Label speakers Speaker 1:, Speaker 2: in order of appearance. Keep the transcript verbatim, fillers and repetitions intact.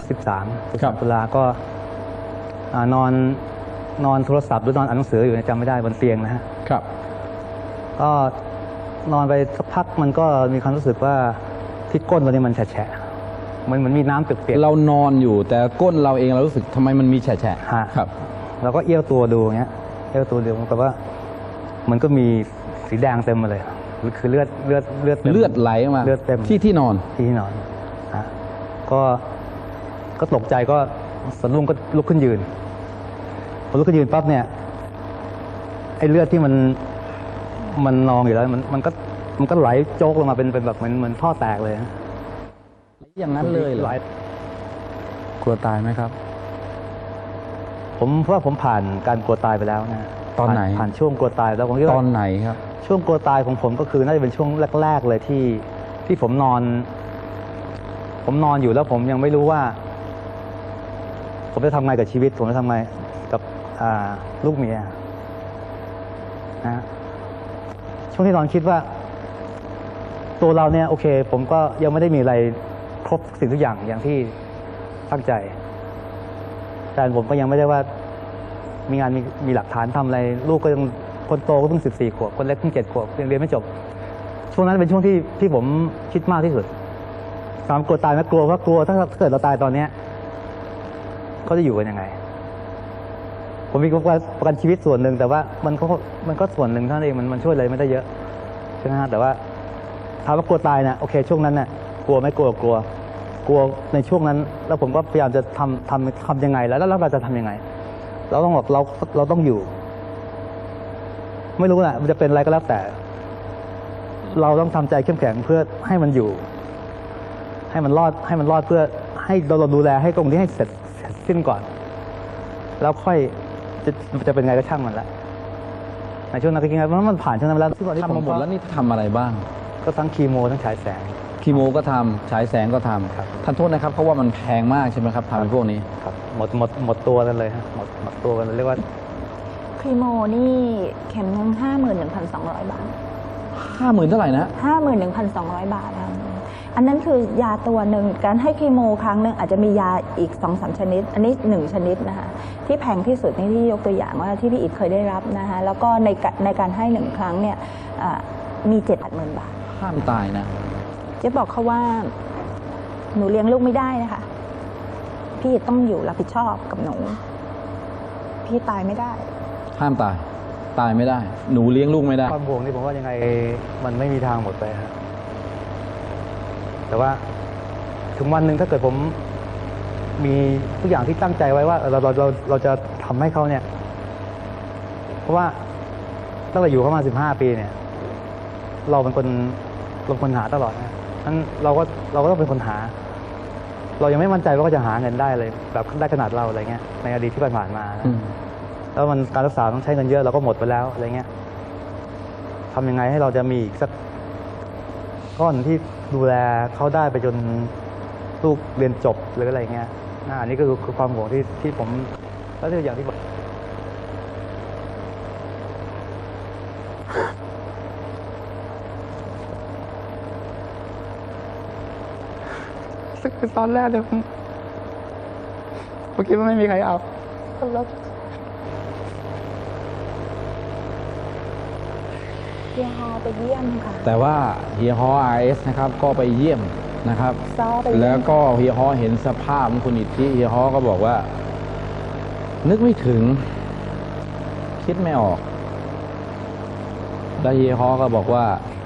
Speaker 1: สิบสามตุลาก็นอนนอนโทรศัพท์หรือนอนอ่านหนังสืออยู่จำไม่ได้บนเตียงนะฮะ
Speaker 2: ครับ
Speaker 1: ก็นอนไปสักพักมันก็มีความรู้สึกว่าที่ก้นเราเนี่ยมันแฉะๆมันเหมือนมีน้ำเปียก
Speaker 2: ๆเรานอนอยู่แต่ก้นเราเองเรารู้สึกทำไมมันมีแฉะๆครับ
Speaker 1: เราก็เอี้ยวตัวดูเงี้ยเอี้ยวตัวดูแต่ว่ามันก็มีสีแดงเต็มมาเลยคือเลือดเลือดเลือด
Speaker 2: เลือดไหลมา
Speaker 1: เลือดเต็ม
Speaker 2: ที่ที่นอน
Speaker 1: ที่นอนฮะก็ก็ตกใจก็สะดุ้งก็ลุกขึ้นยืนพอลุกขึ้นยืนปั๊บเนี่ยไอ้เลือดที่มันมันนองอยู่แล้วมันมันก็มันก็ไหลโจกลงมาเป็นเป็นแบบเหมือนเหมือนท่อแตกเลย
Speaker 2: อย่างนั้นเลยเหรอกลัวตายไหมครับ
Speaker 1: ผมเพราะว่าผมผ่านการกลัวตายไปแล้วนะ
Speaker 2: ตอนไหน
Speaker 1: ผ่านช่วงกลัวตายแล้วผมคิด
Speaker 2: ว่า
Speaker 1: ต
Speaker 2: อนไหนครับ
Speaker 1: ช่วงกลัวตายของผมก็คือน่าจะเป็นช่วงแรกๆเลยที่ที่ผมนอนผมนอนอยู่แล้วผมยังไม่รู้ว่าผมจะทำไงกับชีวิตผมจะทำไงกับลูกเมียนะช่วงที่นอนคิดว่าตัวเราเนี่ยโอเคผมก็ยังไม่ได้มีอะไรครบสิ่งทุกอย่างอย่างที่ตั้งใจแต่ผมก็ยังไม่ได้ว่ามีงานมีมีหลักฐานทำอะไรลูกก็ยังคนโตก็เพิ่งสิบสี่ขวบคนเล็กเพิ่งเจ็ดขวบยังเรียนไม่จบช่วงนั้นเป็นช่วงที่ที่ผมคิดมากที่สุดถามกลัวตายไหมกลัวว่ากลัวถ้าเกิดเราตายตอนเนี้ยเขาจะอยู่กันยังไงผมมีประกันชีวิตส่วนหนึ่งแต่ว่ามันก็มันก็ส่วนหนึ่งเท่านั้นเองมันมันช่วยอะไรไม่ได้เยอะใช่ไหมฮะแต่ว่าถามว่ากลัวตายนะโอเคช่วงนั้นน่ะกลัวไม่กลัวกลัวกลัวในช่วงนั้นแล้วผมก็พยายามจะทำทำทำยังไงแล้วแล้วเราจะทำยังไงเราต้องบอกเราเราต้องอยู่ไม่รู้นะมันจะเป็นอะไรก็แล้วแต่เราต้องทำใจเข้มแข็งเพื่อให้มันอยู่ให้มันรอดให้มันรอดเพื่อให้เราเราดูแลให้ตรงนี้ให้เสร็จสิ้นก่อนแล้วค่อยจะจะเป็นไงก็ช่างมันละในช่วงนั้นก็คิดว่ามันผ่านช่วงนั้นแล้ว
Speaker 2: ทำมาหมดแล้วนี่ทำอะไรบ้าง
Speaker 1: ก็ทั้งคีโมทั้งฉายแสง
Speaker 2: คีโมก็ทำฉายแสงก็ทำครับท่านโทษนะครับเพราะว่ามันแพงมากใช่ไหมครับทำพวกนี้
Speaker 1: ครับหมดหมดหมดตัวกันเลยฮะหมดหมดตัวกันเรียกว่า
Speaker 3: คีโมนี่เข็มนึงห้าหมื่นหนึ่งพันสองร้อยบาท
Speaker 2: ห้าหมื่นเท่าไหร่นะ
Speaker 3: ห้าหมื่นหนึ่งพันสองร้อยบาทครับอันนั้นคือยาตัวหนึ่งการให้คีโมครั้งหนึ่งอาจจะมียาอีกสองสามชนิดอันนี้หนึ่งชนิดนะคะที่แพงที่สุดนี่ที่ยกตัวอย่างว่าที่พี่อิฐเคยได้รับนะคะแล้วก็ในในการให้หนึ่งครั้งเนี่ยมีเจ็ดหมื่นบาท
Speaker 2: ห้ามตายนะ
Speaker 3: เจ๊บอกเขาว่าหนูเลี้ยงลูกไม่ได้นะคะพี่ต้องอยู่รับผิดชอบกับหนูพี่ตายไม่ได้
Speaker 2: ห้ามตายตายไม่ได้หนูเลี้ยงลูกไม่ได้
Speaker 1: ความห่วงนี่ผมว่ายังไงมันไม่มีทางหมดไปครับแต่ว่าถึงวันหนึ่งถ้าเกิดผมมีทุกอย่างที่ตั้งใจไว้ว่าเราเราเราเราจะทำให้เขาเนี่ยเพราะว่าตั้งแต่อยู่เข้ามาสิบห้าปีเนี่ยเราเป็นคนเราเป็นคนหาตลอดนะนั้นเราก็เราก็ต้องเป็นคนหาเรายังไม่มั่นใจว่าเขาจะหาเงินได้เลยแบบได้ขนาดเราอะไรเงี้ยในอดีตที่ผ่านมานะแล้วมันการรักษาต้องใช้เงินเยอะเราก็หมดไปแล้วอะไรเงี้ยทำยังไงให้เราจะมีอีกสักก้อนที่ดูแลเขาได้ไปจนลูกเรียนจบหรืออะไรเงี้ยอันนี้ก็คือความห่วงที่ที่ผมแล้วที่อย่างที่บอกคือตอนแรกเลยผมผมคิดว่าไม่มีใครเอาแล้ว
Speaker 3: เฮียฮอไปเยี่ยมค่ะ
Speaker 2: แต่ว่าเฮียฮอ อาร์ เอส นะครับก็ไปเยี่ยมนะครับแล้วก็เฮียฮอเห็นสภาพของคุณอิทธิเฮียฮอก็บอกว่านึกไม่ถึงคิดไม่ออกแล้วเฮียฮอก็บอกว่า